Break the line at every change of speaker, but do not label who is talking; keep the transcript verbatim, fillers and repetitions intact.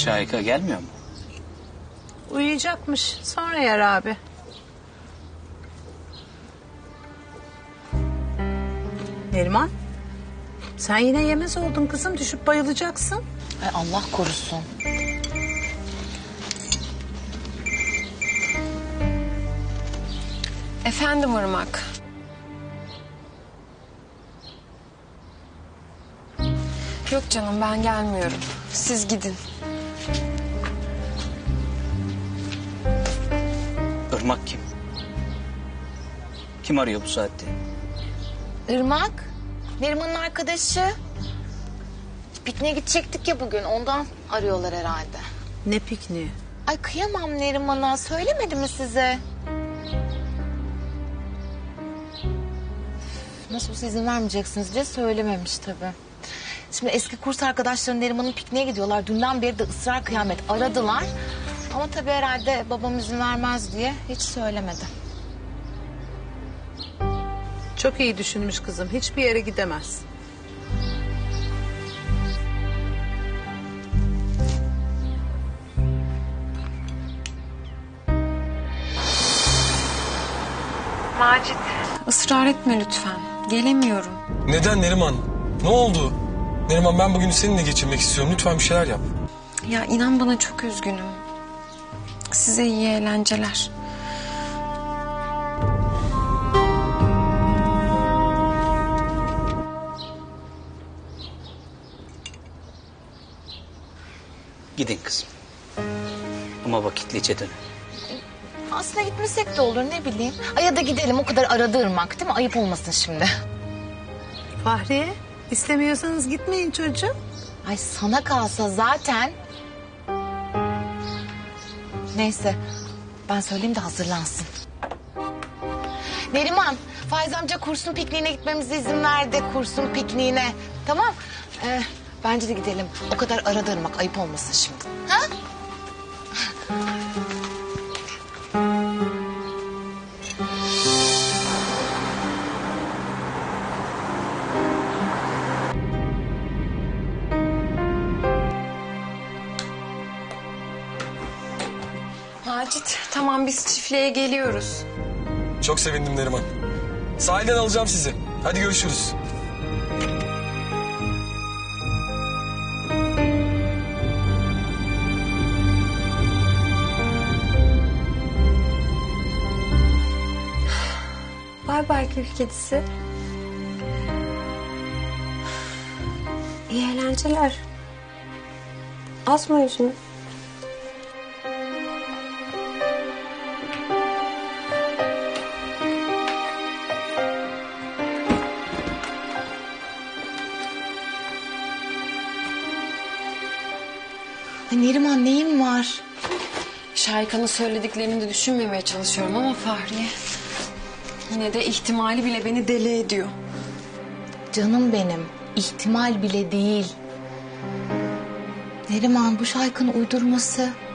Şahika gelmiyor mu?
Uyuyacakmış. Sonra yer abi. Neriman, sen yine yemez oldun kızım. Düşüp bayılacaksın.
Ay Allah korusun.
Efendim Irmak. Yok canım, ben gelmiyorum. Siz gidin.
Irmak kim? Kim arıyor bu saatte?
Irmak, Neriman'ın arkadaşı. Pikniğe gidecektik ya bugün, ondan arıyorlar herhalde.
Ne pikniği?
Ay kıyamam Neriman'a, söylemedi mi size? Nasıl olsa izin vermeyeceksiniz diye söylememiş tabii. Şimdi eski kurs arkadaşları Neriman'ın pikniğe gidiyorlar. Dünden beri de ısrar kıyamet aradılar. Ama tabii herhalde babam izin vermez diye hiç söylemedi.
Çok iyi düşünmüş kızım. Hiçbir yere gidemez.
Macit. Israr etme lütfen. Gelemiyorum.
Neden Neriman? Ne oldu? Neriman, ben bugünü seninle geçirmek istiyorum. Lütfen bir şeyler yap.
Ya inan bana, çok üzgünüm. Size iyi eğlenceler.
Gidin kızım. Ama vakitlice dönün.
Aslında gitmesek de olur, ne bileyim. Ay ya da gidelim, o kadar aradı Irmak değil mi? Ayıp olmasın şimdi.
Fahriye, istemiyorsanız gitmeyin çocuğum.
Ay sana kalsa zaten. Neyse, ben söyleyeyim de hazırlansın. Neriman, Faiz amca kursun pikniğine gitmemize izin verdi. Kursun pikniğine. Tamam. Ee, bence de gidelim. O kadar aradı Irmak, ayıp olmasın şimdi. Ha?
Macit, tamam biz çiftliğe geliyoruz.
Çok sevindim Neriman. Sahilden alacağım sizi. Hadi görüşürüz.
Bay bay kül kedisi. İyi eğlenceler. Asma yüzünü.
Ay Neriman, neyin var?
Şahika'nın söylediklerini de düşünmemeye çalışıyorum ama Fahriye... yine de ihtimali bile beni deli ediyor.
Canım benim, ihtimal bile değil. Neriman, bu şarkının uydurması.